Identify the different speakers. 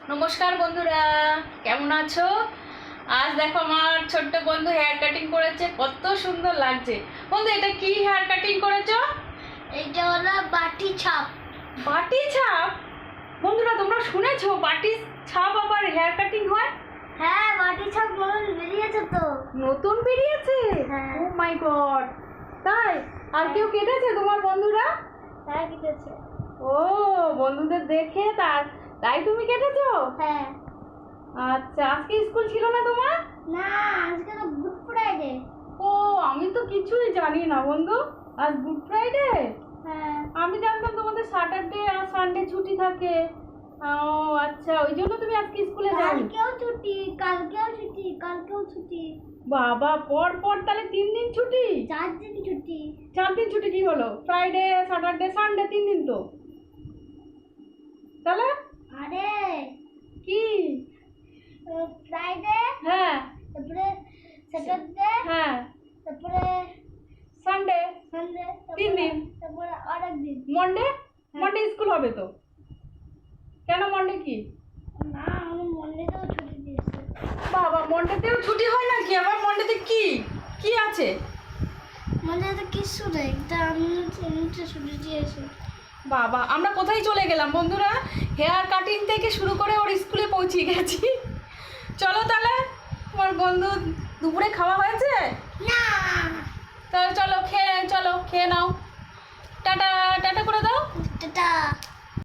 Speaker 1: নমস্কার বন্ধুরা, কেমন আছো? আজ দেখো আমার ছোট্ট বন্ধু হেয়ার কাটিং করেছে, কত সুন্দর লাগছে। বন্ধু, এটা কি হেয়ার কাটিং করেছো?
Speaker 2: এটা হলো বাটি ছাপ।
Speaker 1: বাটি ছাপ? বন্ধুরা, তোমরা শুনেছো বাটি ছাপ আবার হেয়ার কাটিং হয়?
Speaker 2: হ্যাঁ, বাটি ছাপ নতুন বেরিয়েছে তো।
Speaker 1: নতুন বেরিয়েছে?
Speaker 2: হ্যাঁ।
Speaker 1: ও মাই গড, তাই? আর কেউ কেটেছে তোমার বন্ধুরা?
Speaker 2: হ্যাঁ, কেটেছে।
Speaker 1: ও, বন্ধুদের দেখে তাই তুমি কেটেছো?
Speaker 2: হ্যাঁ।
Speaker 1: আচ্ছা, আজকে স্কুল ছিল না তোমার?
Speaker 2: না, আজকে তো গুড ফ্রাইডে।
Speaker 1: ও, আমি তো কিছুই জানি না বন্ধু। আজ গুড ফ্রাইডে?
Speaker 2: হ্যাঁ।
Speaker 1: আমি জানতাম তোমাদের স্যাটারডে আর সানডে ছুটি থাকে। ও আচ্ছা, ওই জন্য তুমি আজকে স্কুলে যাও?
Speaker 2: কালকেও ছুটি, কালকেও ছুটি, কালকেও ছুটি।
Speaker 1: বাবা, পর পর তাহলে 3 দিন ছুটি?
Speaker 2: 4 দিন ছুটি।
Speaker 1: 4 দিন ছুটি কি হলো? ফ্রাইডে, স্যাটারডে, সানডে 3 দিন তো। তাহলে
Speaker 2: আরে
Speaker 1: কি?
Speaker 2: ফ্রাইডে,
Speaker 1: হ্যাঁ
Speaker 2: তারপরে স্যাটারডে,
Speaker 1: হ্যাঁ,
Speaker 2: তারপরে
Speaker 1: সানডে
Speaker 2: সানডে,
Speaker 1: 3 দিন।
Speaker 2: তারপরে আরেক দিন
Speaker 1: মন্ডে? মন্ডে স্কুল হবে তো। কেন, মন্ডে কি?
Speaker 2: না, আমি মন্ডেতেও ছুটি দিয়েছি।
Speaker 1: বাবা, মন্ডেতেও ছুটি হয় নাকি? আবার মন্ডেতে কি কি আছে?
Speaker 2: মন্ডেতে কিছু নেই, তা আমি এমনিতে ছুটি দিয়েছি।
Speaker 1: বাবা, আমরা কোথায় চলে গেলাম বন্ধুরা? হেয়ার কাটিং থেকে শুরু করে ওর স্কুলে পৌঁছে গেছি। চলো তাহলে, তোমার বন্ধু দুপুরে খাওয়া হয়েছে?
Speaker 2: না।
Speaker 1: তাহলে চলো খেয়ে নাও। টাটা টাটা করে দাও।
Speaker 2: টাটা।